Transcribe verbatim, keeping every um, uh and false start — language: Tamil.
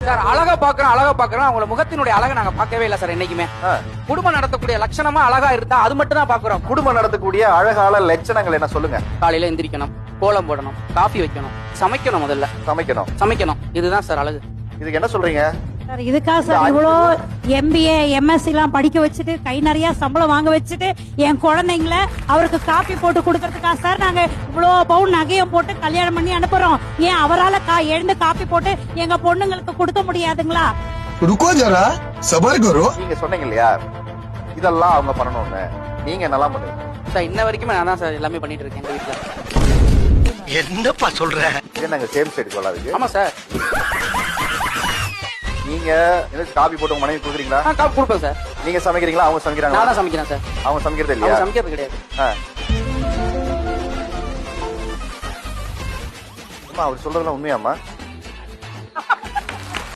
சார் அழகா பாக்குறோம் அழகா பாக்குறோம் அவங்கள முகத்தினுடைய அழகை நாங்க பார்க்கவே இல்ல சார் என்னைக்குமே. குடும்பம் நடத்தக்கூடிய லட்சணமா அழகா இருந்தா அது மட்டும் தான் பாக்குறோம். குடும்பம் நடத்தக்கூடிய அழகால லட்சணங்கள் என்ன சொல்லுங்க? காலையில எந்திரிக்கணும், கோலம் போடணும், காஃபி வைக்கணும், சமைக்கணும், முதல்ல சமைக்கணும் சமைக்கணும் இதுதான் சார் அழகு. இதுக்கு என்ன சொல்றீங்க சார்? இதுக்கா சார் இவ்வளோ எம்பிஏ எம்எஸ்சி எல்லாம் படிக்க வச்சுட்டு கை நிறைய சம்பளம் வாங்க வச்சுட்டு என் குழந்தைங்கள அவருக்கு காப்பி போட்டு கொடுக்கறதுக்கா சார் நாங்க இவ்வளோ பவுன் நகையை போட்டு கல்யாணம் பண்ணி அனுப்புறோம்? ஏன் அவரால் கா எழுந்து காப்பி போட்டு எங்க பொண்ணுங்களுக்கு கொடுக்க முடியாதுங்களா? ருக்கோ ஜரா சபர் கரோ. நீங்க சொன்னீங்க இல்லையா இதெல்லாம் அவங்க பண்ணணும்னு, நீங்க என்னெல்லாம் பண்ணுவீங்க சார்? இன்ன வரைக்குமே நான் தான் சார் எல்லாமே பண்ணிட்டு இருக்கேன் எங்க வீட்டுல. என்னப்பா சொல்ற? இது நாங்க சேம் சைடு கொள்ளாதுக்கு. ஆமா சார். நீங்க எனக்கு காபி போட்டு உங்க மனைவி கொடுக்குறீங்களா? நான் காப்பி கொடுப்பேன் சார். நீங்க சமைக்கிறீங்களா அவங்க சமைக்கிறாங்களா? நான் தான் சமைக்கிறேன் சார். அவங்க சமைக்கிறது அவங்க இல்லையா? சமைக்கிறது கிடையாது. அவர் சொல்றதெல்லாம் உண்மையாமா?